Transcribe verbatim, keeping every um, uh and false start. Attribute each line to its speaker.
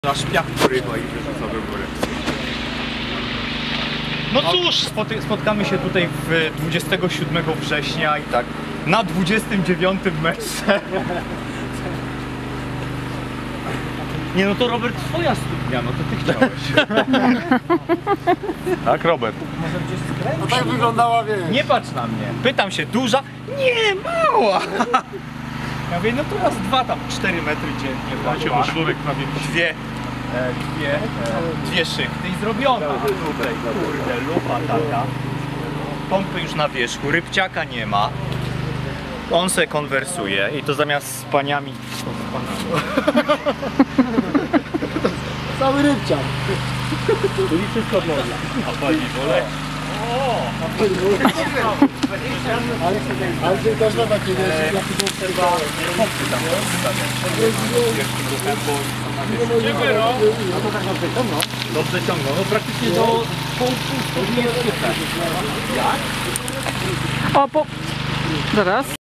Speaker 1: Na szpiach porywa i wyrzuca do góry.
Speaker 2: No cóż, spotkamy się tutaj w dwudziestego siódmego września i tak na dwudziestym dziewiątym metrze. Nie no to Robert, twoja studnia, no to ty chciałeś.
Speaker 1: Tak, Robert?
Speaker 3: No tak wyglądała, wiesz.
Speaker 2: Nie patrz na mnie. Pytam się, duża? Nie, mała. Ja mówię, no to raz dwa tam, cztery metry dziennie.
Speaker 1: Macie, bo sznurek prawie
Speaker 2: Dwie, e, dwie, e, dwie szykty i zrobiona. A tutaj, kurde, lupa taka. Pompy już na wierzchu, rybciaka nie ma. On se konwersuje i to zamiast z paniami, to z panami.
Speaker 3: Cały rybciak.
Speaker 2: Czyli wszystko można. A pani wolę?
Speaker 3: Ale, ale ty też ma takie, wiesz, jaki był
Speaker 2: Trzeba pompy tam zostawiać. Wielkim ruchem, bo
Speaker 3: Dziękuję, no. No to tak dobrze ciągną.
Speaker 2: dobrze ciągną. No praktycznie do pół pół jest super. Jak?
Speaker 4: O, po... Zaraz.